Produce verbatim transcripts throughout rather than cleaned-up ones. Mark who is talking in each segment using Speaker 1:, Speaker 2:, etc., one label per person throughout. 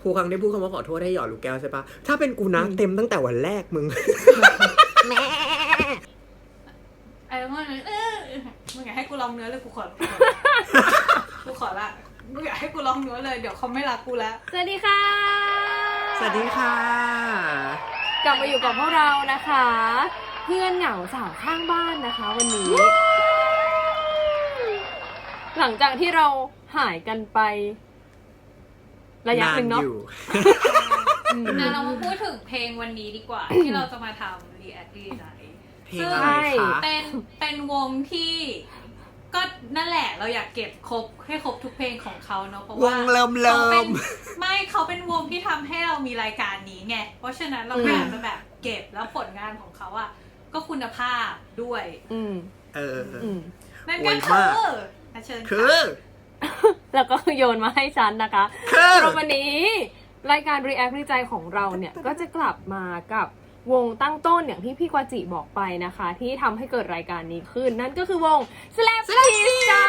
Speaker 1: ทุกครั้งที่พูดคำว่าขอโทษให้หยอดลูกแก้วใช่ปะถ้าเป็นกูนะเต็มตั้งแต่วันแรกมึงแม่
Speaker 2: ไอ้เมื่อเออมึงอยากให้กูลองเนื้อเลยกูขอกูขอละมึงอยากให้กูลองเนื้อเลยเดี๋ยวเขาไม่รักกูแล้ว
Speaker 3: สวัสดีค่ะ
Speaker 1: สวัสดีค่ะ
Speaker 3: กลับมาอยู่กับพวกเรานะคะเพื่อนเหงาสาวข้างบ้านนะคะวันนี้ หลังจากที่เราหายกันไประยะหนึ่งเนาะ
Speaker 2: นะเรามาพูดถึงเพลงวันนี้ดีกว่า ที่เราจะมาทำ react ดีใจ
Speaker 1: เพลงอะไรคะ
Speaker 2: เป็นเป็นวงที่ก็นั่นแหละเราอยากเก็บครบให้ครบทุกเพลงของเขาเนาะเพราะว่าว
Speaker 1: งเริ่มเริ่ม
Speaker 2: ไม่เขาเป็นวงที่ทำให้เรามีรายการนี้ไงเพราะฉะนั้นเราอยากจะแบบเก็บแล้วผลงานของเขาอะก็คุณภาพด้วย
Speaker 3: อืม
Speaker 1: เออ
Speaker 2: นั่นก็คือเชิญ
Speaker 1: คือ
Speaker 3: แล้วก็โยนมาให้ฉันนะคะเพราะวันนี้รายการ React ในใจของเราเนี่ยก็จะกลับมากับวงตั้งต้นอย่างที่พี่กวาจิบอกไปนะคะที่ทำให้เกิดรายการนี้ขึ้นนั่นก็คือวง Slap Kiss จ้า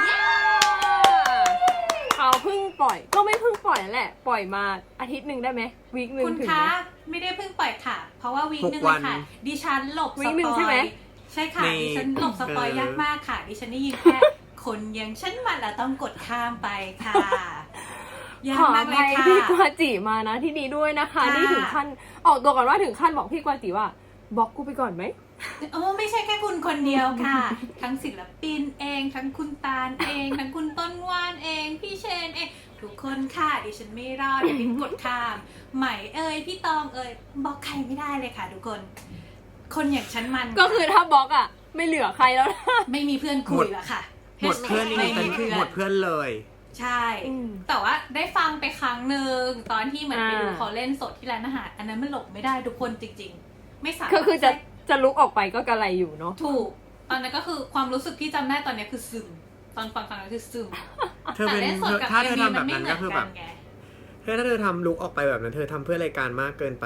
Speaker 3: เขาเพิ่งปล่อยก็ไม่เพิ่งปล่อยแหละปล่อยมาอาทิตย์หนึ่งได้ไหมวีคหนึ่ง
Speaker 2: คุณคะไม่ได้เพิ่งปล่อยค่ะเพราะว่าวีคหนึ่งเลยค่ะดิฉันหลบสปอยใช่ไหมใช่ค่ะดิฉันหลบสปอยยากมากค่ะดิฉันได้ยินแค่คนอย่างฉันมาแล้วต้องกดข้ามไปค่ะ
Speaker 3: ขออภัยพี่กวาจิมานะที่นี้ด้วยนะคะนี่ถึงขั้นออกตัวก่อนว่าถึงขั้นบอกพี่กวาจิว่าบล็อกกูไปก่อนไหม
Speaker 2: โอ้ไม่ใช่แค่คุณคนเดียวค่ะทั้งศิลปินเองทั้งคุณตาลเองทั้งคุณต้นว่านเองพี่เชนเองทุกคนค่ะดิฉันไม่รอดเดี๋ยวดิฉันกดข้ามใหม่เอ่ยพี่ตองเอ่ยบล็อกใครไม่ได้เลยค่ะทุกคนคนอย่างฉันมัน
Speaker 3: ก็คือถ้าบล็อกอ่ะไม่เหลือใครแล้วนะ
Speaker 2: ไม่มีเพื่อนคุยแล้วค่ะ
Speaker 1: หมดเพื่อนนี่หมดเพื่อนเลย
Speaker 2: ใช่แต่ว่าได้ฟังไปครั้งหนึ่งตอนที่เหมือนไปดูเขาเล่นสดที่ร้านอาหารอันนั้นมันหลบไม่ได้ทุกคนจริงๆไม่สามารถ
Speaker 3: ก็คือจะจะลุกออกไปก็กระไรอยู่เนาะ
Speaker 2: ถูกตอนนั้นก็คือความรู้สึกที่จำได้ตอนนี้คือซึมตอนฟังฟังก็คือซึม
Speaker 1: แต่เล่นสดกับถ้าเธอทำแบบนั้นก็คือแบบเธอถ้าเธอทำลุกออกไปแบบนั้นเธอทำเพื่อรายการมากเกินไป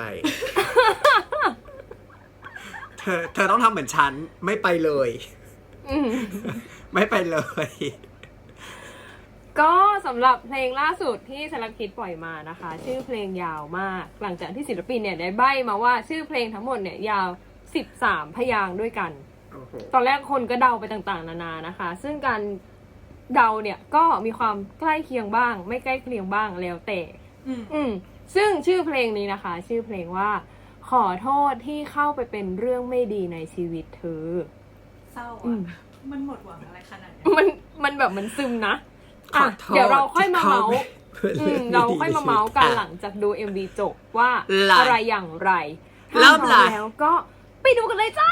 Speaker 1: เธอเธอต้องทำเหมือนฉันไม่ไปเลยไม่ไปเลย
Speaker 3: ก็สำหรับเพลงล่าสุดที่สลักคิดปล่อยมานะคะชื่อเพลงยาวมากหลังจากที่ศิลปินเนี่ยได้ใบ้มาว่าชื่อเพลงทั้งหมดเนี่ยยาวสิบสามพยางค์ด้วยกัน
Speaker 1: okay.
Speaker 3: ตอนแรกคนก็เดาไปต่างๆนานานะคะซึ่งการเดาเนี่ยก็มีความใกล้เคียงบ้างไม่ใกล้เคียงบ้างแล้วแต่อืมซึ่งชื่อเพลงนี้นะคะชื่อเพลงว่าขอโทษที่เข้าไปเป็นเรื่องไม่ดีในชีวิตเธอ
Speaker 2: เศร้าอ่ะมันหมดหวังอะไรขนาดนี้
Speaker 3: มันมันแบบมันซึมนะอ่ะเดี๋ยวเราค่อยมาเมาส์เราค่อยมาเมาส์กันหลังจากดู เอ็ม วี จบว่าอะไรอย่างไร
Speaker 1: เริ่ม
Speaker 3: แล้วก็ไปดูกันเลยจ้า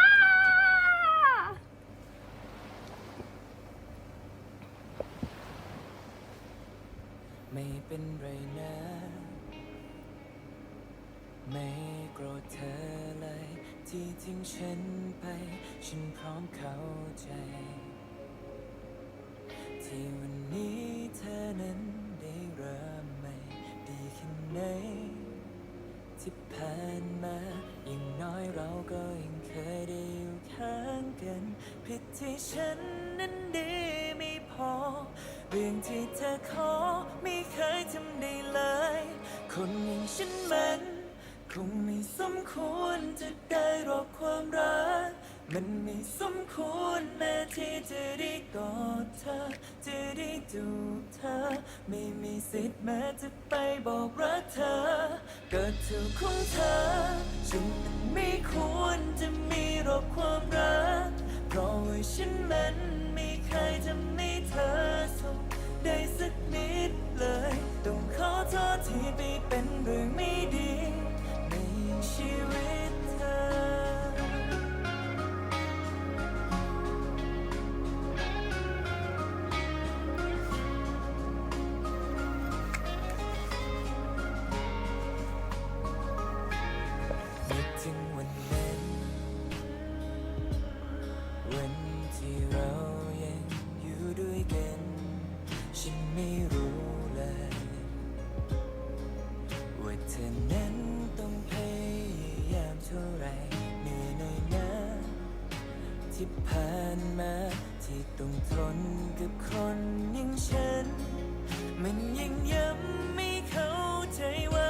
Speaker 4: ไม่เป็นไรนะไม่โกรธเธอเลยที่ทิ้งฉันไปฉันพร้อมเข้าใจที่วันนี้เธอนั้นได้เริ่มใหม่ดีแค่ไหนที่ผ่านมาอย่างน้อยเราก็ยังเคยได้อยู่ข้างกันผิดที่ฉันนั้นดีไม่พอเรื่องที่เธอขอไม่เคยทำได้เลยคนอย่างฉันมันคงไม่สมควรจะได้รับความรักมันไม่สมควรแม้ที่จะได้กอดเธอจะได้จูบเธอไม่มีสิทธิ์แม้จะไปบอกรักเธอเกิดถูกของเธอฉันไม่ควรจะมีรบความรักเพราะว่าฉันมันไม่เคยทำให้เธอสุขได้สักนิดเลยต้องขอโทษที่ไปเป็นเรื่องไม่ดีในชีวิตเธอถึงวันนั้นวันที่เรายังอยู่ด้วยกันฉันไม่รู้เลยว่าเธอนั้นต้องพยายามเท่าไรเหนื่อยหน่อยนะที่ผ่านมาที่ต้องทนกับคนอย่างฉันมันยังย้ำไม่เข้าใจว่า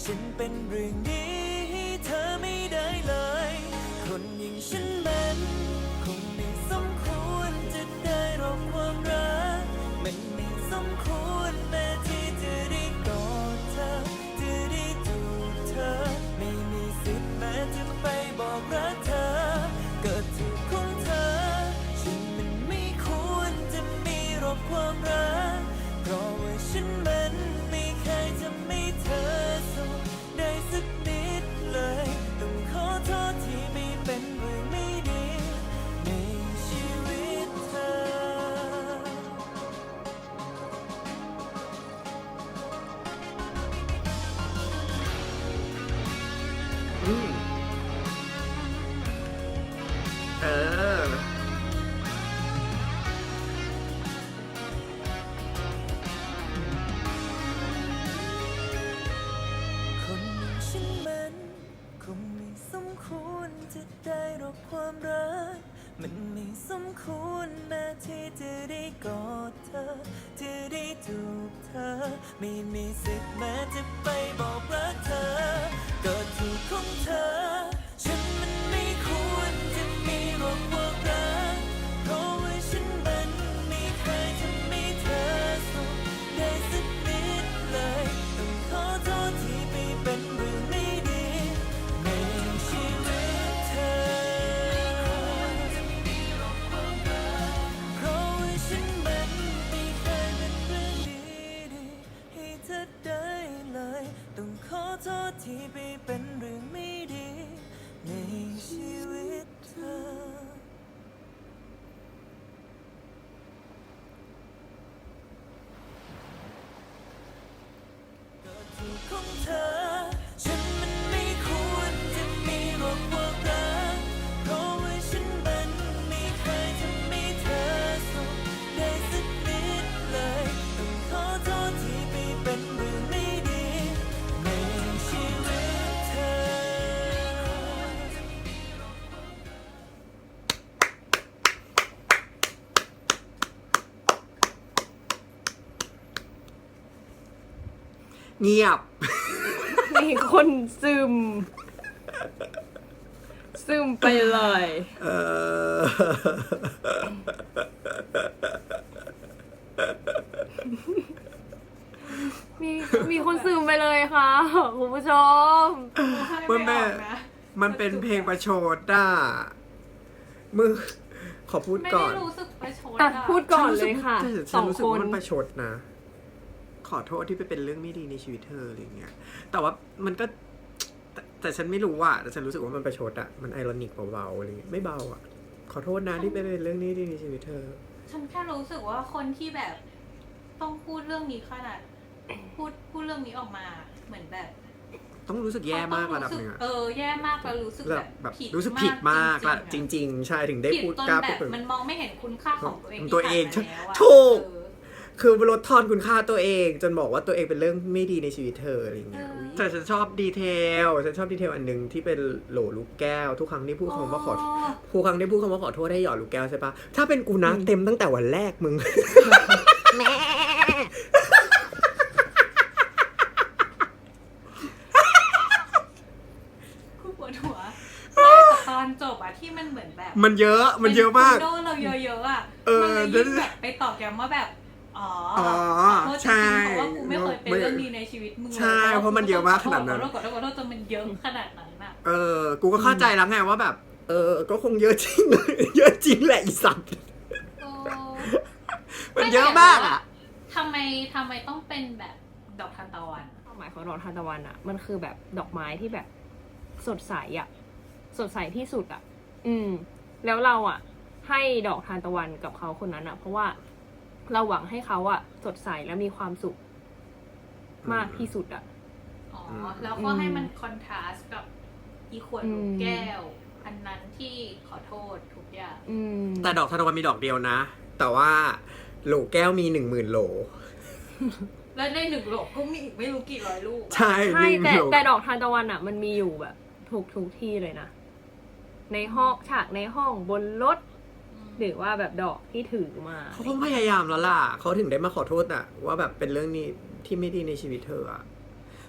Speaker 4: ฉันเป็นเรื่องดีให้เธอไม่ได้เลยคนอย่างฉันมันคงไม่สมควรจะได้รับความรักมันไม่สมควรแม้ที่จะได้กอดเธอจะได้จูบเธอไม่มีสิทธิ์แม้จะไปบอกรักเธอเกิดถูกของเธอฉันมันไม่ควรจะมีหรอกความรักเพราะว่าฉันมันไม่เคยทำให้เธอสุขได้สักนิดเลยต้องขอโทษที่ไม่เป็นเรื่องไม่ดีในชีวิตเธอ
Speaker 1: อืมเออ
Speaker 4: คนอย่างฉันมันคงไม่สมควรจะได้รับความรักมันไม่สมควรแม้ที่จะได้กอดเธอจะได้จูบเธอไม่มีสิทธิ์แม้จะไปบอกรักเธอก็ถูกของเธอฉันมันไม่ควรจะมีหรอกความรักเพราะว่าฉันมันไม่เคยทำให้เธอสุขได้สักนิดเลยต้องขอโทษที่ไม่เป็นเรื่องไม่ดีในชีวิตเธอเพราะว่าฉันมันไม่เคยเป็นเรื่องดีๆให้เธอได้เลยต้องขอโทษที่ไม่เป็นเรื่องไม่ดีในชีวิตเธอถูกของเธอฉันมันไม่ควรจะมีหรอกความรักเพราะว่าฉันมันไม่เคยทำให้เธอสุขได้สักนิดเลยต้องขอโทษที่ไม่เป็นเรื่องไม่ดีในชีวิตเธอ
Speaker 1: เงียบ
Speaker 3: มีคนซึม ซึมไปเลย
Speaker 1: เออ
Speaker 3: มีมีคนซึมไปเลยค่ะคุณผู้ชม
Speaker 1: เมื่อแม่ มันเป็นเพลงประชดอ่ะมึงขอพูด
Speaker 2: ไม่
Speaker 1: ก่อ
Speaker 2: ได้
Speaker 1: น
Speaker 2: รู้สึกประชด
Speaker 3: อ่ะ
Speaker 2: อะ
Speaker 3: พูดก่อนเลยค่ะ
Speaker 1: ฉัน
Speaker 3: ส
Speaker 1: ฉั
Speaker 3: อน ง
Speaker 1: รู้สึ
Speaker 3: ค
Speaker 1: กว่าน มันประชดนะ ขอโทษที่ไปเป็นเรื่องไม่ดีในชีวิตเธออะไรเงี้ย แต่ว่ามันก็ แต่แต่ฉันไม่รู้อ่ะแต่ฉันรู้สึกว่ามันประชดอ่ะ มันไอรอนิกเบาๆอะไรเงี้ยไม่เบาอ่ะ ขอโทษนะที่ไปเป็นเรื่องนี้ดีในชีวิตเธอ
Speaker 2: ฉันแค่รู้สึกว่าคนที่แบบต้องพูดเรื่องนี้ขนาดพูดพูดเรื่องนี้ออกมาเหมือนแบบ
Speaker 1: ต้องรู้สึกแย่มากระดับหนึงอะ
Speaker 2: เออแย่มากแล้วรู้สึก
Speaker 1: แบ
Speaker 2: แบบ บ
Speaker 1: แบบ
Speaker 2: ผิด
Speaker 1: รู้สึกผิดมากละจ
Speaker 2: จริงๆ
Speaker 1: ริง ๆ ใช่ถึงได้
Speaker 2: ผิด
Speaker 1: พูด
Speaker 2: จน
Speaker 1: กล้า
Speaker 2: แบ
Speaker 1: พูด
Speaker 2: บ
Speaker 1: เปิด
Speaker 2: มันมองไม่เห็นคุณค่าของตัวเอง
Speaker 1: ตัวเอง
Speaker 2: ที่ผ่านมาแล้วอะ
Speaker 1: ถูก
Speaker 2: เออ
Speaker 1: คือลดทอนคุณค่าตัวเอง จนบอกว่าตัวเองเป็นเรื่องไม่ดีในชีวิตเธออะไรอย่างเงี้ย
Speaker 2: เออ
Speaker 1: แต่ฉันชอบดีเทลฉันชอบดีเทลอันหนึงที่เป็นโหลลูกแก้ว ทุกครั้งที่พูดคำว่าขอทุกครั้งที่พูดคำว่าขอโทษให้หยอดลูกแก้วใช่ปะถ้าเป็นกูนะเต็มตั้งแต่วันแรกมึง
Speaker 2: กูปวดหัวไม่แต่ตอนจบอะที่มันเหมือนแบบ
Speaker 1: มันเยอะมันเยอะมาก
Speaker 2: ป็นโดนเราเยอะๆอะ
Speaker 1: เออ
Speaker 2: มันเลยยิ่งแบบไปตอกย้ำว่าแบบอ๋อ
Speaker 1: อ๋อ
Speaker 2: ขอโทษจ
Speaker 1: ใช่
Speaker 2: ริงๆเพราะว่ากูไม่เคยเป็นเรื่องนี้ในชีวิตมึงเลย
Speaker 1: ใช่เพราะมันเยอะมากขนาดนั้น
Speaker 2: ขอโทษขอโทษขอโทษจนมันเยอะขนาดนั้นอะ
Speaker 1: เออ กูก็เข้าใจแล้วไงว่าแบบ เออ ก็คงเยอะจริง เยอะจริงแหละอีสัตว์
Speaker 2: โอ้
Speaker 1: มันเยอะมากอ่ะ
Speaker 2: ทำไมทำไมต้องเป็นแบบดอกทานตะวัน
Speaker 3: ความหมายของดอกทานตะวันอ่ะ มันคือแบบดอกไม้ที่แบบสดใสอ่ะ สดใสที่สุดอ่ะ อืม แล้วเราอ่ะ ให้ดอกทานตะวันกับเขาคนนั้นอ่ะ เพราะว่าเราหวังให้เขาอ่ะ สดใสและมีความสุขมากที่สุดอ่ะ
Speaker 2: อ๋อ
Speaker 1: อืม
Speaker 2: แล้วก็ให้มันคอนทราสต์กับอีขวดลูกแก้ว อันนั้นที่ขอโทษทุกอย่าง
Speaker 3: อืม
Speaker 1: แต่ดอกทานตะวันมีดอกเดียวนะ แต่ว่าโหลแก้วมีหนึ่งหมื่นโหล
Speaker 2: แล้วในหนึ่งโหลก็มีอีกไม่รู้กี่ร้อยลูกอะ
Speaker 1: ใช่
Speaker 3: ใช่
Speaker 1: หนึ่ง
Speaker 3: แต่
Speaker 1: โหล
Speaker 3: แต่ดอกทานตะวันอ่ะ มันมีอยู่แบบทุกทุกที่เลยนะ ในห้องฉากในห้องบนรถ หรือว่าแบบดอกที่ถือมา
Speaker 1: เขาต้องพยายามแล้วล่ะ เขาถึงได้มาขอโทษอะว่าแบบเป็นเรื่องนี้ที่ไม่ดีในชีวิตเธออะ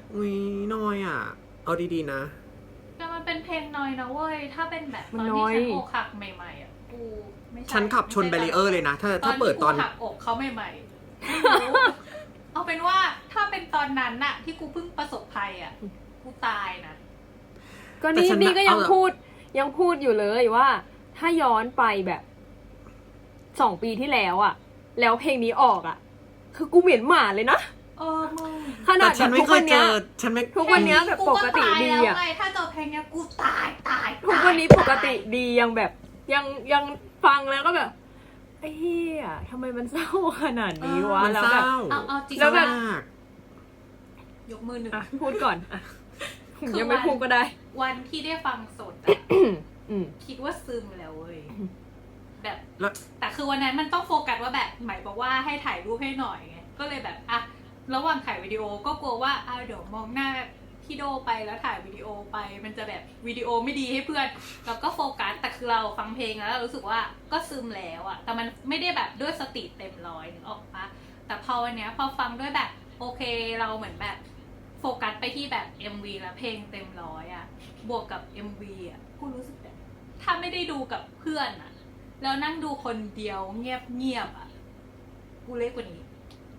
Speaker 1: อุ้ยน้อยอ่ะ เอาดีๆนะ
Speaker 2: แต่มันเป็นเพลงน้อยนะเว้ย ถ้าเป็นแบบต
Speaker 3: มั
Speaker 2: อน น
Speaker 3: น้
Speaker 2: ที่
Speaker 3: อย
Speaker 2: ฉันอกหักใหม่ๆอ่ะ กูไม่ใช่
Speaker 1: ฉันขับชนแบรีเออร์เลยนะ ถ้า
Speaker 2: ตอ
Speaker 1: ถ้าน เปิด
Speaker 2: ที่
Speaker 1: ต
Speaker 2: กู
Speaker 1: อน
Speaker 2: หักอกเขาใหม่ๆไม่รู้ เอาเป็นว่าถ้าเป็นตอนนั้นน่ะ ที่กูเพิ่งประสบภัยอ่ะ กูตายนะ
Speaker 3: ก็
Speaker 1: แต่
Speaker 3: นี่
Speaker 1: ฉัน
Speaker 3: นี่ก็ยัง
Speaker 1: เอา
Speaker 3: พูดยังพูดอยู่เลยว่า ถ้าย้อนไปแบบสองปีที่แล้วอะแล้วเพลงนี้ออกอะคือกูเหม็นหมาเลยนะ
Speaker 2: เออมึง
Speaker 3: ขนา
Speaker 1: แต่
Speaker 3: ด
Speaker 1: ฉัน
Speaker 3: แบบ
Speaker 1: ไม่
Speaker 3: ทุก
Speaker 1: เค
Speaker 3: วั
Speaker 1: ย
Speaker 3: น
Speaker 1: เจ
Speaker 3: เนี้ย
Speaker 1: อ ฉันไม่
Speaker 3: ทุกวันเนี้ยแบบปกติดี
Speaker 2: แล้ว
Speaker 3: อะ
Speaker 2: ไงถ้าเจอเพลงเนี้ยกูตายตาย
Speaker 3: ทุกวันนี้ปกติดียังแบบยังยังฟังแล้วก็แบบไอ้เหี้ยทำไมมันเศร้าขนาดนี้วะ
Speaker 1: มัน
Speaker 3: แล้ว
Speaker 1: เศ
Speaker 3: แบบ
Speaker 1: ร้า
Speaker 2: เอาเอาจริง
Speaker 3: แล้วแบบ
Speaker 1: มาก
Speaker 2: ยกมือหนึ่ง
Speaker 3: อ่ะพูดก่อนอ่ะ
Speaker 2: คือ
Speaker 3: ยังไม่
Speaker 2: วัน
Speaker 3: พูดก็ได้
Speaker 2: วันที่ได้ฟังสดอะ
Speaker 3: อืม
Speaker 2: คิดว่าซึมแล้วเว้ยแบบ
Speaker 1: แล้ว
Speaker 2: แต่คือวันนั้นมันต้องโฟกัสว่าแบบหมายบอกว่าให้ถ่ายรูปให้หน่อยไงก็เลยแบบอ่ะระหว่างถ่ายวิดีโอก็กลัวว่าอ่ะเดี๋ยวมองหน้าพี่โดไปแล้วถ่ายวิดีโอไป มันจะแบบวิดีโอไม่ดีให้เพื่อนแล้วก็โฟกัสแต่คือเราฟังเพลงแล้วเรารู้สึกว่าก็ซึมแล้วอะแต่มันไม่ได้แบบด้วยสติเต็มร้อยนึกออกปะแต่พอวันเนี้ยพอฟังด้วยแบบโอเคเราเหมือนแบบโฟกัสไปที่แบบ เอ็ม วี แล้วเพลงเต็มร้อยอะบวกกับ เอ็ม วี อะกูรู้สึกแบบถ้าไม่ได้ดูกับเพื่อนอะแล้วนั่งดูคนเดียวเงียบเงียบๆอะกูเล็กกว่านี้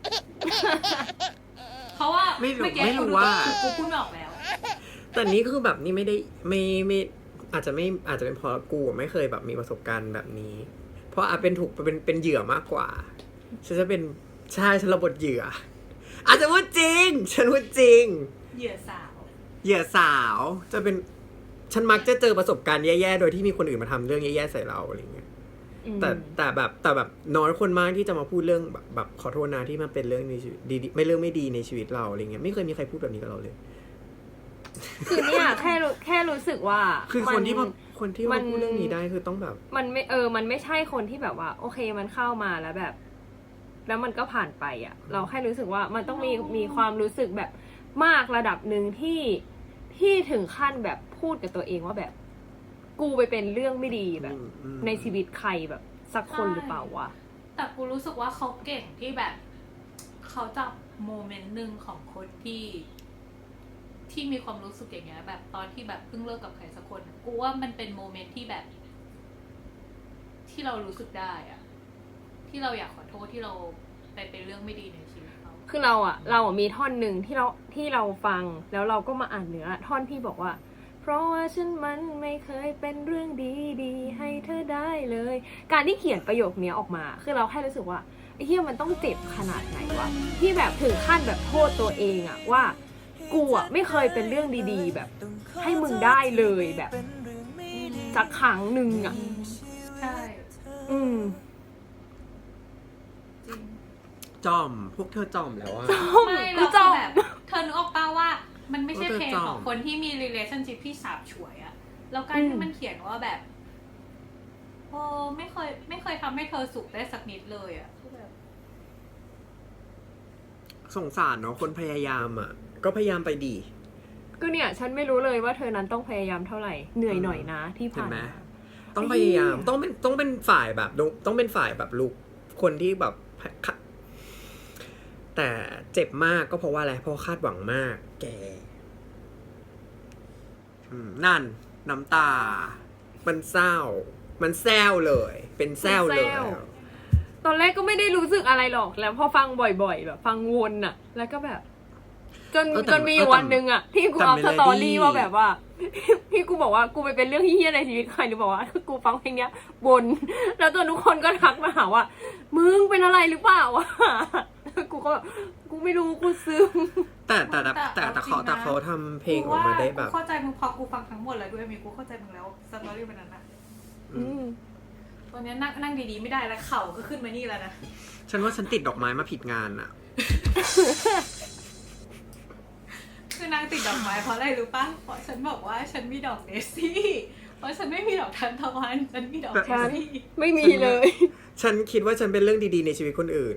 Speaker 2: เพราะว่า
Speaker 1: ไม่รู้
Speaker 2: เมื่อกี้
Speaker 1: ไม่รู้
Speaker 2: กู
Speaker 1: ว่า
Speaker 2: กูพูดไม่ออกแล้ว
Speaker 1: แต่นี้คือแบบนี่ไม่ได้ไม่ไม่อาจจะไม่อาจจะเป็นเพราะกูไม่เคยแบบมีประสบการณ์แบบนี้ เพราะอาจเป็นถูกเป็นเป็นเหยื่อมากกว่า ฉันจะเป็นใช่ฉันระบทเหยื่อ อาจจะว่าจริง ฉันว่าจริง
Speaker 2: เหยื่อสาว
Speaker 1: เหยื่อสาวจะเป็นฉันมักจะเจอประสบการณ์แย่ๆโดยที่มีคนอื่นมาทำเรื่องแย่ๆใส่เราอะไรเงี้ย แต่แต่แบบแต่แบบน้อยคนมากที่จะมาพูดเรื่องแบบแบบขอโทษนะที่มันเป็นเรื่องในชีวิตดีๆไม่เรื่องไม่ดีในชีวิตเราอะไรเงี้ยไม่เคยมีใครพูดแบบนี้กับเราเลย
Speaker 3: คือเนี่ยแค่รู้แค่รู้สึกว่า
Speaker 1: คือคนที่
Speaker 3: มั
Speaker 1: มาคนที่
Speaker 3: มั
Speaker 1: มาน พูดเรื่องนี้ได้คือต้องแบบ
Speaker 3: มันไม่เออ มันไม่ใช่คนที่แบบว่า โอเคมันเข้ามาแล้วแบบ แล้วมันก็ผ่านไปอ่ะ เราแค่รู้สึกว่ามันต้องมีมีความรู้สึกแบบมากระดับหนึ่งที่ที่ถึงขั้นแบบพูดกับตัวเองว่าแบบ กูไปเป็นเรื่องไม่ดีแบบ
Speaker 1: อืมอืม
Speaker 3: ในชีวิตใครแบบสักคนหรือเปล่าวะ
Speaker 2: แต่กูรู้สึกว่าเขาเก่งที่แบบ เขาจับโมเมนต์หนึ่งของคนที่ ที่มีความรู้สึกอย่างเงี้ย แบบตอนที่แบบเพิ่งเลิกกับใครสักคน กูว่ามันเป็นโมเมนต์ที่แบบ ที่เรารู้สึกได้อะที่เราอยากขอโทษที่เราไปเป็นเรื่องไม่ดีในชีวิตเขา
Speaker 3: คือเราอะเราอะมีท่อนหนึ่งที่เราที่เราฟังแล้วเราก็มาอ่านเนื้อท่อนที่บอกว่า เพราะว่าฉันมันไม่เคยเป็นเรื่องดีๆให้เธอได้เลย การที่เขียนประโยคนี้ออกมา คือเราแค่รู้สึกว่าไอ้เหี้ยมันต้องเจ็บขนาดไหนวะที่แบบถึงขั้นแบบโทษตัวเองอะว่ากูอะไม่เคยเป็นเรื่องดีๆ แบบ ให้มึงได้เลยแบบสักครั้งหนึ่งอะ
Speaker 2: ใช่
Speaker 3: อืม
Speaker 2: จริง
Speaker 1: จอมพวกเธอจอมแล้วอะ
Speaker 2: ไม่
Speaker 3: กู
Speaker 2: เรา
Speaker 3: จ
Speaker 2: คือ
Speaker 3: อม
Speaker 2: แบบเธอนึกออกป่าว่า มันไม่ใช่
Speaker 1: เออ
Speaker 2: เพลง
Speaker 1: จอม
Speaker 2: ของคนที่มี relationship ที่สาบฉวยอะแล้วการที่มันเขียนว่าแบบโอ้ไม่เคย ไม่เคยทำให้เธอสุขได้สักนิดเลยอะคือแบบ
Speaker 1: สงสารเนาะคนพยายามอ่ะ ก็พยายามไปดี
Speaker 3: ก็เนี่ยฉันไม่รู้เลยว่าเธอนั้นต้องพยายามเท่าไหร่เหนื่อยหน่อยนะที่
Speaker 1: เห็
Speaker 3: ผ่าน น
Speaker 1: ไหม
Speaker 3: มา
Speaker 1: ต้องพยายามต้องเป็นต้องเป็นฝ่ายแบบต้องเป็นฝ่ายแบบลูกคนที่แบบค่ะแต่เจ็บมากก็เพราะว่าอะไรเพราะคาดหวังมาก แกอืมนั่น น้ำตา มันเศร้า มันแซวเลย เป็นแซวเลย
Speaker 3: ตอนแรกก็ไม่ได้รู้สึกอะไรหรอกแล้วพอฟังบ่อยๆแบบฟังวนอะแล้วก็แบบ จน
Speaker 1: เออแต่
Speaker 3: จนมี
Speaker 1: เออแต่
Speaker 3: วันหนึ่งอะที่กู
Speaker 1: แต่
Speaker 3: เอา
Speaker 1: เม
Speaker 3: ส
Speaker 1: โลดี้
Speaker 3: ตอรี่ว่าแบบว่า ที่กูบอกว่ากูไปเป็นเรื่องเฮี้ยๆในชีวิตใครหรือบอกว่ากูฟังเพลงเนี้ยวนแล้วจนทุกคนก็ทักมาหาว่ามึงเป็นอะไรหรือเปล่าวะกูก็แบบกูไม่รู้กูซึม
Speaker 1: แต่แต่แต่แต่
Speaker 2: แต่
Speaker 1: แต่เขา
Speaker 2: เอาจริงนะ
Speaker 1: แต่เขาทำเพลงออกมาได้แบบ
Speaker 2: กูเข้าใจมึงพอกูฟังทั้งหมดแล้วด้วยมีกูเข้าใจมึงแล้วสตอรี่มันนั้นนะ
Speaker 3: อืม
Speaker 2: ตอนนี้นั่งนั่งดีๆไม่ได้แล้วเข่าก็ขึ้นมานี่แล้วนะ
Speaker 1: ฉันว่าฉันติดดอกไม้มาผิดงานอะ
Speaker 2: คือนางติดดอกไม้เพราะอะไรรู้ปะเพราะฉันบอกว่าฉันมีดอกเดซี่ เพราะฉันไม่มีดอกทานตะวันฉันมีดอกเด
Speaker 3: ฉัน
Speaker 2: ซี่
Speaker 3: ไม่มีเลย
Speaker 1: ฉันคิดว่าฉันเป็นเรื่องดีๆในชีวิตคนอื่น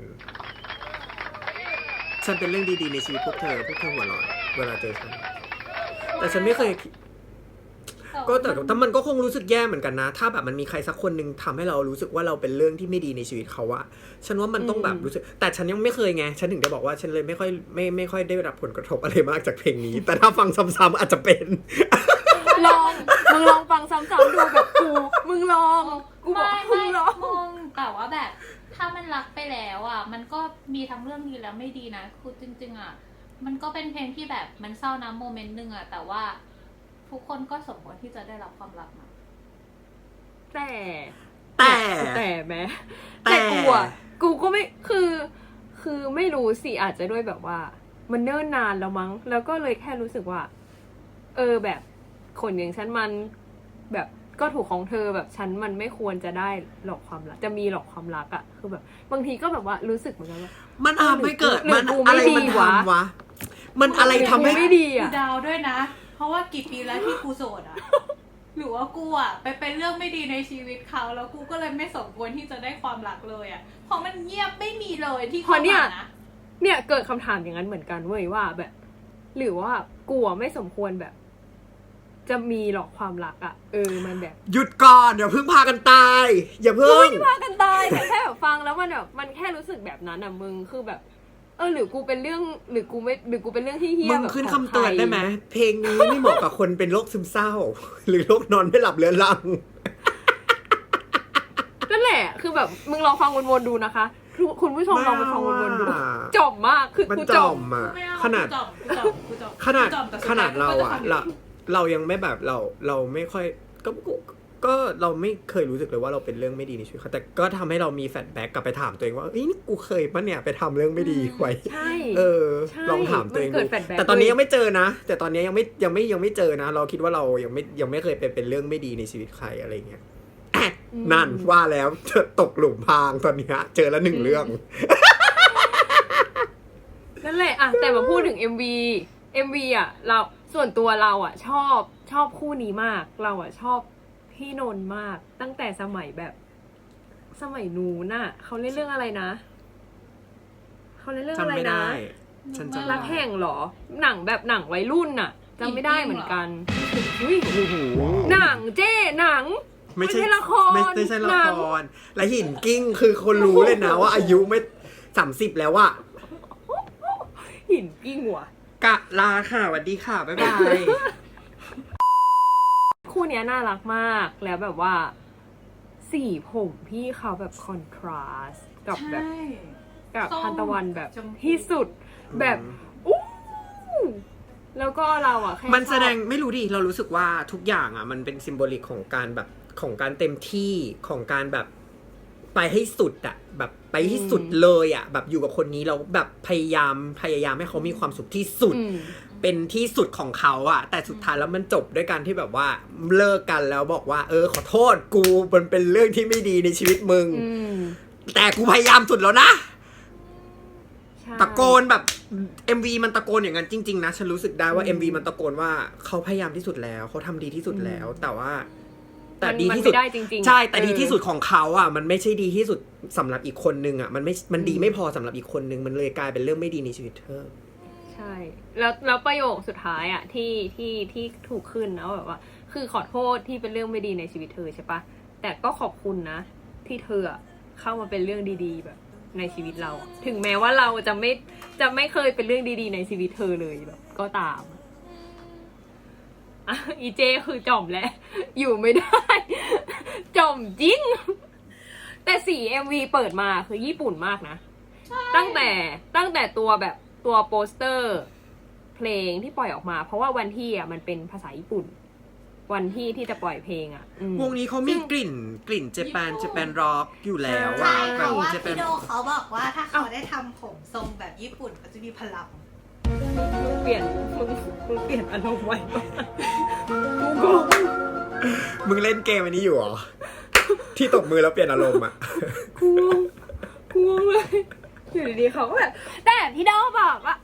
Speaker 1: ฉันเป็นเรื่องดีๆในชีวิตพวกเธอ พวกเธอหัวเร้อนเวลาเจอฉัน แต่ฉันไม่เคยคิด
Speaker 2: แต่
Speaker 1: ก็แต่แต่มันก็คงรู้สึกแย่เหมือนกันนะ ถ้าแบบมันมีใครสักคนหนึ่งทำให้เรารู้สึกว่าเราเป็นเรื่องที่ไม่ดีในชีวิตเขาอะฉันว่ามันต้องแบบรู้สึกแต่ฉันยังไม่เคยไงฉันถึงได้บอกว่าฉันเลยไม่ค่อยไม่ไม่ค่อยได้รับผลกระทบอะไรมากจากเพลงนี้ แต่ถ้าฟังซ้ำๆอาจจะเป็น
Speaker 3: ลองมึงลองฟังซ้ำๆดูแบบกูมึงลองกูบอก
Speaker 2: ไม่
Speaker 3: มึ
Speaker 2: ไม่
Speaker 3: งลอง
Speaker 2: มึงแต่ว่าแบบถ้ามันรักไปแล้วอ่ะมันก็มีทั้งเรื่องดีและไม่ดีนะคือจริงๆอ่ะมันก็เป็นเพลงที่แบบมันเศร้านะโมเมนต์หนึ่งอ่ะแต่ว่าทุกคนก็สมควรที่จะได้รับความรักนะ
Speaker 3: แต่
Speaker 1: แต่
Speaker 3: แต่แม้
Speaker 1: แต่
Speaker 3: แต่กูอ่ะกูก็ไม่คือ คือไม่รู้สิอาจจะด้วยแบบว่า มันเนิ่นนานแล้วมั้ง แล้วก็เลยแค่รู้สึกว่า เออแบบคนอย่างฉันมันแบบก็ถูกของเธอแบบฉันมันไม่ควรจะได้หลอกความรักจะมีหลอกความรักอะคือแบบ บางทีก็แบบว่ารู้สึกเหมือนกันว่า
Speaker 1: มันทำให้เกิด
Speaker 3: หรือ
Speaker 1: มัน
Speaker 3: กู
Speaker 1: อะไร
Speaker 3: ไม่ดี
Speaker 1: มัน
Speaker 3: วะ
Speaker 1: ทำวะ มันอะไรทำให้
Speaker 3: ไม่ดี
Speaker 2: กู
Speaker 3: อะ
Speaker 2: ดาวด้วยนะ เพราะว่ากี่ปีแล้วที่กูโสดอ่ะ หรือว่ากูอ่ะไปเป็นเรื่องไม่ดีในชีวิตเขาแล้วกูก็เลยไม่สมควรที่จะได้ความรักเลยอ่ะเพราะมันเงียบไม่มีเลยที่
Speaker 3: พอเนี่ย
Speaker 2: ข้ามานะ
Speaker 3: เนี่ยเกิดคำถามอย่างนั้นเหมือนกันเว้ยว่าแบบ หรือว่ากูอะไม่สมควรแบบ จะมีหรอกความรักอะเออมันแบบ
Speaker 1: หยุดก่อนอย่าเพิ่งพากันตาย อย่าเพิ่ง
Speaker 3: พากันตายแต่แค่แบบฟังแล้วมันแบบมันแค่รู้สึกแบบนั้นอะมึงคือแบบ เออหรือกูเป็นเรื่องหรือกูไม่หรือกูเป็นเรื่องที่เฮี้ย
Speaker 1: มึง
Speaker 3: แบบ
Speaker 1: ขึ้น
Speaker 3: ข
Speaker 1: คำ
Speaker 3: อง
Speaker 1: เตือน
Speaker 3: ใร
Speaker 1: ได้ไหมเพลงนี้ไม่เหมาะกับคนเป็นโรคซึมเศร้า หรือโรคนอนไม่หลับเรื้อรัง
Speaker 3: นั่นแหละคือแบบมึงลองฟังวนๆดูนะคะคุณคุณผู้ชมลองไปฟังวนๆดู
Speaker 1: ไม่เอาอะ
Speaker 3: จบมากคือ
Speaker 1: มัน
Speaker 3: กู
Speaker 1: จ
Speaker 3: จ
Speaker 1: อบ มอ่ะ
Speaker 2: ไม่เอ
Speaker 1: ขนาด
Speaker 2: กูจอมกูจอมกูจอม
Speaker 1: ขนาด
Speaker 2: กูจอมแต่สุ
Speaker 1: ขนาดเรา
Speaker 2: ท้ย
Speaker 1: อ่ะ
Speaker 2: กูก็จ
Speaker 1: เราเรายังไม่แบบเราเราไม่ค่อยก็ก็ก็เราไม่เคยรู้สึกเลยว่าเราเป็นเรื่องไม่ดีในชีวิตเขาแต่ก็ทำให้เรามีแฟลชแบ็กกลับไปถามตัวเองว่าเอ้ยนี่กูเคยปะเนี่ยไปทำเรื่องไม่ดีไว้
Speaker 3: ใช่
Speaker 1: เออ
Speaker 3: ใช่
Speaker 1: ลองถามตัวเอง
Speaker 3: มันเกิ
Speaker 1: ดู
Speaker 3: ด flashback
Speaker 1: แต่ตอนนี้
Speaker 3: เว้ย
Speaker 1: ยังไม่เจอนะ แต่ตอนนี้ยังไม่ยังไม่ยังไม่เจอนะ เราคิดว่าเรายังไม่ยังไม่เคยเป็นเป็นเรื่องไม่ดีในชีวิตใครอะไรเงี้ยอ่ะนั่นว่าแล้วตกหลุมพรางตอนเนี้ยเจอแล้วหนึ่งเรื่อง
Speaker 3: นั่นแหละอะแต่มาพูดถึง เอ็ม วี เอ็ม วี อ่ะเราส่วนตัวเราอ่ะ ชอบชอบคู่นี้มาก เราอ่ะชอบพี่นนท์มาก ตั้งแต่สมัยแบบ สมัยนู้นน่ะเขาเล่นเรื่องอะไรนะเขาเล่นเรื่อง
Speaker 1: จำ
Speaker 3: อะไร
Speaker 1: ไม่
Speaker 3: นะ
Speaker 1: ได้ ฉันจำ
Speaker 3: รั
Speaker 1: ไม่
Speaker 3: ก
Speaker 1: ได้
Speaker 3: แห่งเหรอ หนังแบบหนังวัยรุ่นน่ะจำไม่ได้เหมือนกันอุ้ย
Speaker 1: โอ้โห
Speaker 3: หนังเจ้หนัง
Speaker 1: ไม่ใช่
Speaker 3: ไม่ใช่ละคร
Speaker 1: ไม่ไม่ใช่ละ
Speaker 3: หนัง
Speaker 1: คร และหินกิ้งคือคนรู้เลยนะว่าอายุไม่สามสิบแล้วอะ
Speaker 3: หินกิ้งหัว
Speaker 1: กะลาค่ะสวัสดีค่ะ บ๊ายบาย
Speaker 3: คู่เนี้ยน่ารักมากแล้วแบบว่า สีผมพี่เขาแบบคอนทราสต์กับแบบ
Speaker 2: ใช่
Speaker 3: กับ
Speaker 2: ส้ม
Speaker 3: ทันตะวันแบบ
Speaker 2: ชมพู
Speaker 3: ที่สุดแบบอู้แล้วก็เราอ่ะแค่
Speaker 1: มันแสดง
Speaker 3: ชอบ
Speaker 1: ไม่รู้ดิ เรารู้สึกว่าทุกอย่างอ่ะ มันเป็นซิมโบลิกของการแบบของการเต็มที่ของการแบบไปให้สุดอ่ะ แบบไปให้สุดเลยอ่ะ แบบอยู่กับคนนี้เราแบบพยายามพยายามให้เขามีความสุขที่สุด
Speaker 3: อืม
Speaker 1: เป็นที่สุดของเขาอะแต่สุดท้ายแล้วมันจบด้วยการที่แบบว่าเลิกกันแล้วบอกว่า เออขอโทษกูมันเป็นเรื่องที่ไม่ดีในชีวิตมึง
Speaker 3: อืม
Speaker 1: แต่กูพยายามสุดแล้วนะ
Speaker 3: ใช่
Speaker 1: ตะโกนแบบ เอ็ม วี มันตะโกนอย่างนั้นจริงๆนะฉันรู้สึกได้ว่า
Speaker 3: อืม
Speaker 1: เอ็ม วี มันตะโกนว่าเขาพยายามที่สุดแล้วเขาทำดีที่สุดแล้ว
Speaker 3: อืม
Speaker 1: แต่ว่า แต่
Speaker 3: มัน
Speaker 1: ดี
Speaker 3: มัน
Speaker 1: ที่สุด
Speaker 3: ไม่ได้จริงๆ
Speaker 1: ใช่แต่
Speaker 3: เออ
Speaker 1: ดีที่สุดของเขาอ่ะมันไม่ใช่ดีที่สุดสำหรับอีกคนนึงอ่ะมันไม่มันดี
Speaker 3: อืม
Speaker 1: ไม่พอสำหรับอีกคนนึงมันเลยกลายเป็นเรื่องไม่ดีในชีวิตเธอ
Speaker 3: ใช่แล้วแล้วประโยคสุดท้ายอ่ะที่ที่ที่ถูกขึ้นนะแบบว่า คือขอโทษที่เป็นเรื่องไม่ดีในชีวิตเธอใช่ปะแต่ก็ขอบคุณนะ ที่เธอเข้ามาเป็นเรื่องดีๆแบบ ในชีวิตเราอะถึงแม้ว่าเราจะไม่จะไม่เคยเป็นเรื่องดีๆในชีวิตเธอเลยแบบ ก็ตามอ่ะอีเจคือจอมแล้วอยู่ไม่ได้ จอมจริง แต่สี เอ็ม วี เปิดมาคือญี่ปุ่นมากนะตั้งแต่ตั้งแต่ตัวแบบตัวโปสเตอร์ เพลงที่ปล่อยออกมา เพราะว่าวันที่อ่ะมันเป็นภาษาญี่ปุ่น วันที่ที่จะปล่อยเพลงอ่ะอืม
Speaker 1: วงนี้เขามีกลิ่นกลิ่นเจแปนเจแปนร็อกอยู่แล้ว
Speaker 2: ใช่
Speaker 1: อะ
Speaker 2: เพราะว่า
Speaker 1: เจแป
Speaker 2: พี่
Speaker 1: น
Speaker 2: โดเขาบอกว่าถ้าเขาได้ทำผมทรงแบบญี่ปุ่นเขาจะมีพลัง
Speaker 3: มึงเปลี่ยนมึงมึงเปลี่ยนอารมณ์ไว้ปะกูงง
Speaker 1: มึงเล่นเกมอันนี้อยู่เหรอ ที่ตบมือแล้วเปลี่ยนอารมณ์อ่ะ
Speaker 3: กูงงกูงงเลยอยู่ดีๆเขาก็แบบแต่พี่โดบอกว่า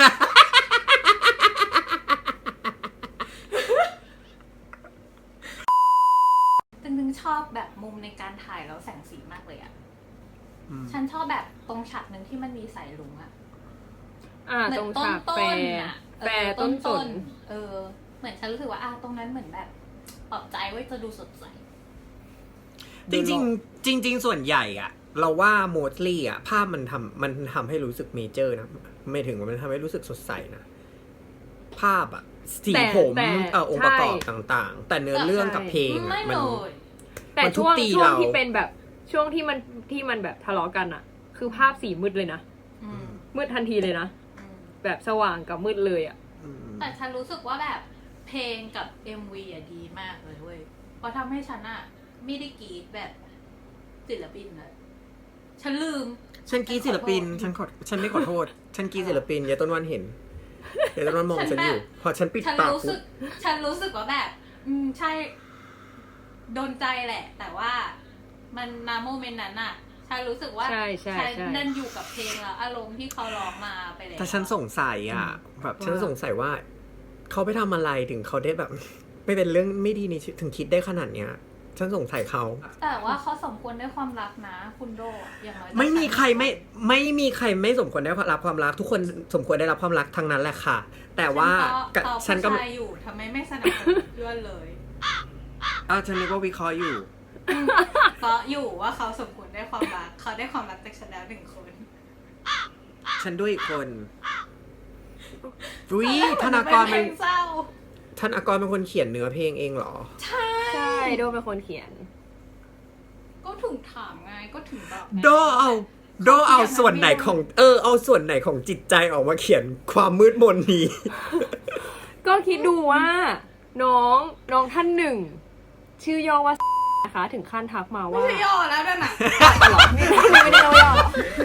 Speaker 2: จริงๆชอบแบบมุมในการถ่ายแล้วแสงสีมากเลยอ่ะ
Speaker 1: อืม
Speaker 2: ฉันชอบแบบตรงฉากหนึ่งที่มันมีสายลุงอะ
Speaker 3: อ่า
Speaker 2: เหมื
Speaker 3: ต
Speaker 2: อ
Speaker 3: รง
Speaker 2: นต้น
Speaker 3: ฉาก
Speaker 2: ต้
Speaker 3: แฟ
Speaker 2: น
Speaker 3: ร์
Speaker 2: อะ
Speaker 3: แฟร์ต้นสน
Speaker 2: เออ เหมือนฉันรู้สึกว่าอ่ะตรงนั้นเหมือนแบบปลอบใจไว้จะดูสดใส
Speaker 1: จริงๆจริง ๆ ส่วนใหญ่อะเราว่าโมดลี่อะภาพมันทำมันทำให้รู้สึกเมเจอร์นะไม่ถึงว่ามันทำให้รู้สึกสดใสนะภาพอะสี
Speaker 3: แต่
Speaker 1: ผม
Speaker 3: แต่
Speaker 1: เอ่อองค์ประกอบ
Speaker 3: ใช่
Speaker 1: ต่างๆ แต่เนื้อเรื่องกับเพลง
Speaker 2: ไม่
Speaker 1: อะ
Speaker 2: เล
Speaker 1: มัน
Speaker 2: ย
Speaker 3: แต่
Speaker 1: มันทุบ
Speaker 3: ช่วง
Speaker 1: ตี
Speaker 3: ช่วง
Speaker 1: เรา
Speaker 3: ที่เป็นแบบช่วงที่มันที่มันแบบทะเลาะกันอะคือภาพสีมืดเลยนะ
Speaker 2: อืม
Speaker 3: มืดทันทีเลยนะ
Speaker 2: อืม
Speaker 3: แบบสว่างกับมืดเลยอะ
Speaker 1: อืม
Speaker 2: แต่ฉันรู้สึกว่าแบบเพลงกับ เอ็ม วี อ่ะดีมากเลยเว้ย เพราะทำให้ฉันอะไม่ได้กรีดแบบศิลปินเลย ฉันลืม
Speaker 1: ฉันกรีดศิลปิน ฉันขอฉันไม่ขอโทษ ฉันกรีดศิลปินยายต้นวันเห็นยายต้นวันมองฉันอยู่ พอฉันปิด
Speaker 2: ฉัน
Speaker 1: ปาก
Speaker 2: รู้สึ
Speaker 1: ปุ๊
Speaker 2: ก
Speaker 1: บ
Speaker 2: ฉันรู้สึกว่าแบบ อืมใช่ โดนใจแหละ แต่ว่ามันนาโมเมนต์นั้นอะฉันรู้สึกว่า
Speaker 3: ใช่ใช่
Speaker 2: ฉัน
Speaker 3: ใช่
Speaker 2: นั่นอยู่กับเพลงแล้วอารมณ์ที่เขาร้องมาไปแล้ว
Speaker 1: แต่ฉันสงสัยอ่ะ แบบฉันสงสัยว่า เขาไปทำอะไรถึงเขาได้แบบ ไม่เป็นเรื่องไม่ดีในชีวิตถึงคิดได้ขนาดเนี้ย ฉันสงสัยเขา
Speaker 2: แต่ว่าเขาสมควรได้ความรักนะ คุณโดอย่างน้อย
Speaker 1: ไม่มีใครไม่ไม่มีใครไม่สมควรได้รับความรัก ทุกคนสมควรได้รับความรักทั้งนั้นแหละค่ะ แต่ว่า
Speaker 2: ฉั
Speaker 1: ฉั
Speaker 2: น
Speaker 1: น
Speaker 2: ก็
Speaker 1: ก็
Speaker 2: ผู้ชายอยู่ทำไมไม่สนับสนุนเพื่อนเลย
Speaker 1: อ่าฉันนึกว่าวิเคราะห์อยู่
Speaker 2: เพราะอยู่ว่าเขาสมควรได้ความรัก เขาได้ความรักจากฉันแล้วหนึ่งคน
Speaker 1: ฉันด้วยอีกคนวิธนากร
Speaker 2: เป็
Speaker 1: เป็น น
Speaker 2: เศร้า
Speaker 1: ธนากรเป็นคนเขียนเนื้อเพลงเองเหรอ
Speaker 2: ใช่
Speaker 3: ใช่โดเป็นคนเขียน
Speaker 2: ก็ถึงถามไงก็ถึงบอกไง
Speaker 1: โดเอาโดเอาส่วนไหนของ เออ เอาส่วนไหนของจิตใจออกมาเขียนความมืดมนนี้
Speaker 3: ก็คิดดูว่า น้องน้องท่านหนึ่ง ชื่อย่อว่านะคะถึงขั้นทักมา
Speaker 2: ไม่
Speaker 3: ว่า
Speaker 2: ใช่ย่อแล้วนั่นน่ะ
Speaker 3: หรอไม่ไม่ไม่ได้ย่อหรอ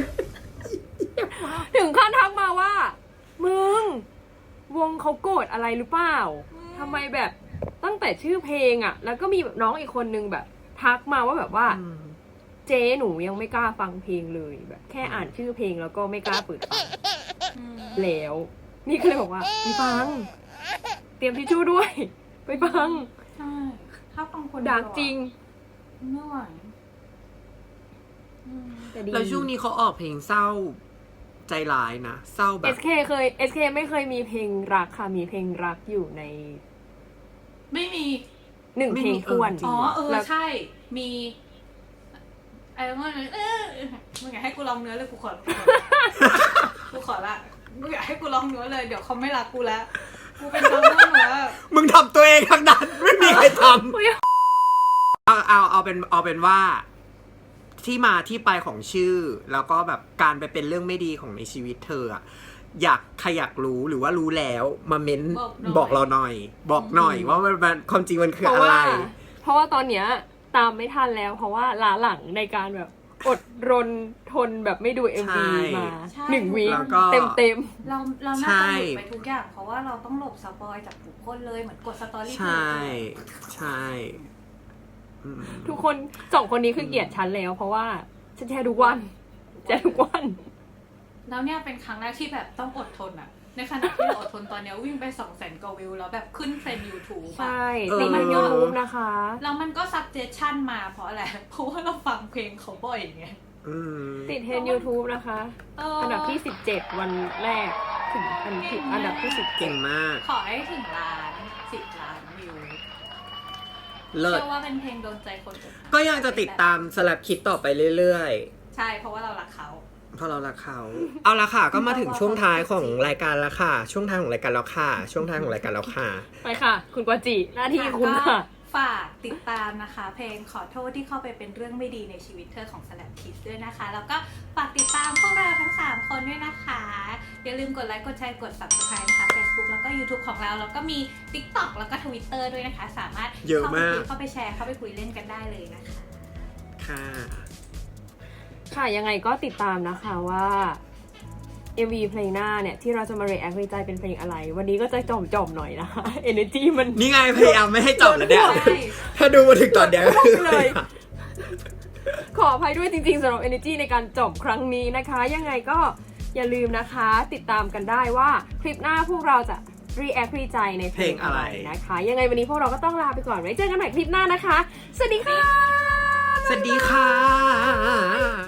Speaker 3: ถึงขั้นทักมาว่า มึง วงเขาโกรธอะไรหรือเปล่าทำไมแบบตั้งแต่ชื่อเพลงอ่ะ แล้วก็มีแบบน้องอีกคนนึงแบบ ทักมาว่าแบบว่า เจ๊หนูยังไม่กล้าฟังเพลงเลยแบบ แค่อ่านชื่อเพลงแล้วก็ไม่กล้าเปิดฟังแล้ว นี่ก็เลยบอกว่าไปฟัง เตรียมทิชชู่ด้วย ไปฟัง
Speaker 2: ใช่ถ้าฟังคน
Speaker 3: ดักจริง
Speaker 2: ไม่ไหวอืม
Speaker 3: แต่ดี
Speaker 1: แล้วช่วงนี้เขาออกเพลงเศร้าใจร้ายนะ เศร้าแบ
Speaker 3: เอบ สเคเคย เอส เค ไม่เคยมีเพลงรักค่ะ มีเพลงรักอยู่ใน
Speaker 2: ไม่มี
Speaker 3: หนึ่ง
Speaker 1: ไม่
Speaker 3: เพล
Speaker 1: มี
Speaker 3: งท้วน
Speaker 1: เออจริ
Speaker 2: อ๋
Speaker 1: ง
Speaker 2: อ เออ
Speaker 3: แล้ว
Speaker 2: ใช่ มีอะไรว่าเออมึงอยากให้กูร้องเนื้อเลยกูขอ กูขอละมึงอยากให้กูร้องเนื้อเลยเดี๋ยวเขาไม่รักกูแล้ว กูเป็นร้องเนื้อหนูแล้ว
Speaker 1: มึงทำตัวเองทั้งนั้น ไม่มีใครทำเอาเอาเอาเป็นเอาเป็นว่า ที่มาที่ไปของชื่อ แล้วก็แบบการไปเป็นเรื่องไม่ดีของในชีวิตเธออะอยากใครอยากรู้หรือว่ารู้แล้วมาเม้นบอกเราหน่อย บอกหน่อย ว่ามันมันความจริงมันคือ
Speaker 3: เพราะ
Speaker 1: อะไร
Speaker 3: ว่า เพราะว่าตอนเนี้ยตามไม่ทันแล้ว เพราะว่าล้าหลังในการแบบอดรนทนแบบไม่ดู เอ็ม วี
Speaker 1: ใช่
Speaker 3: มา
Speaker 2: ใช่
Speaker 3: หนึ่งวี
Speaker 1: แล้วก็
Speaker 3: เต็มเต็ม
Speaker 2: เราเรา
Speaker 1: ใช่
Speaker 2: น่าจะหยุดไปทุกอย่าง เพราะว่าเราต้องหลบสปอยจากทุกคนเลยเหมือนกดสตอรี่
Speaker 1: ใช่ใช่อืม
Speaker 3: ๆทุกคนสองคนนี้คือเกลียดฉันแล้ว เพราะว่าฉันแชร์ทุกวันแชร์ทุกวัน
Speaker 2: แล้วเนี่ยเป็นครั้งแรกที่แบบต้องอดทนอะในขณะที่เราอดทนตอนเนี้ยวิ่งไปสองแสนกว่าวิวแล้วแบบขึ้นเทรนด์ YouTube
Speaker 3: ใช่
Speaker 2: อะ
Speaker 1: เออ
Speaker 3: ติดมันยูทูบนะคะ
Speaker 2: แล้วมันก็ suggestion มาเพราะอะไร เพราะว่าเราฟังเพลงเขาบ่อยไง
Speaker 1: อืม
Speaker 3: ติดเทรนยูทูบนะคะ
Speaker 2: เอออั
Speaker 3: อันดับที่สิบเจ็ดวันแรกถึงอันที่อันดับที่สิบเจ็
Speaker 1: เก่
Speaker 3: ด
Speaker 1: งมาก
Speaker 2: ขอให้ถึงล้านสิบล้านวิว
Speaker 1: เลิศ
Speaker 2: เชื่อว่าเป็นเพลงโดนใจคนอื่น
Speaker 1: ก็ยังจะติดตามสลับคิดต่อไปเรื่อย
Speaker 2: ใช่เพราะว่าเรารักเขา
Speaker 1: ๆ เพราะเรารักเขา เอาละค่ะ ก็มาถึงช่วงท้ายของรายการแล้วค่ะ ช่วงท้ายของรายการแล้วค่ะ ช่วงท้ายของรายการแล้วค่ะ
Speaker 3: ไปค่ะ คุณกวาจิหน้าที่คุณค่ะ
Speaker 2: ฝากติดตามนะคะ เพลงขอโทษที่เข้าไปเป็นเรื่องไม่ดีในชีวิตเธอของ Slap Kids ด้วยนะคะ แล้วก็ฝากติดตามพวกเราทั้งสามคนด้วยนะคะ อย่าลืมกดไลค์กดแชร์กด Subscribe นะคะ Facebook แล้วก็ YouTube ของเราแล้วก็มี TikTok แล้วก็ Twitter ด้วยนะคะ สามารถ
Speaker 1: เยอะมาก
Speaker 2: เข้าไปคุยเข้าไปแชร์เข้าไปคุยเล่นกันได้เลยนะคะ
Speaker 1: ค่ะ
Speaker 3: ค่ะยังไงก็ติดตามนะคะว่า เอ็ม วี เพลงหน้าเนี่ย ที่เราจะมา react ในใจเป็นเพลงอะไร วันนี้ก็จะจอมๆหน่อยนะคะ energy มัน
Speaker 1: นี่ไงพยายามไม่ให้จบแล้วเนี่ย
Speaker 2: ใช่
Speaker 1: ถ้าดูมาถึงตอนเนี้ยก็คือ
Speaker 3: เลย ขออภัยด้วยจริงๆสำหรับ energy ในการจบครั้งนี้นะคะ ยังไงก็อย่าลืมนะคะ ติดตามกันได้ว่าคลิปหน้าพวกเราจะ react ในใจในเพลงอะไรนะคะ ยังไงวันนี้พวกเราก็ต้องลาไปก่อนไว้เจอกันใหม่คลิปหน้านะคะ สวัสดีค่ะ
Speaker 1: สวัสดีค่ะ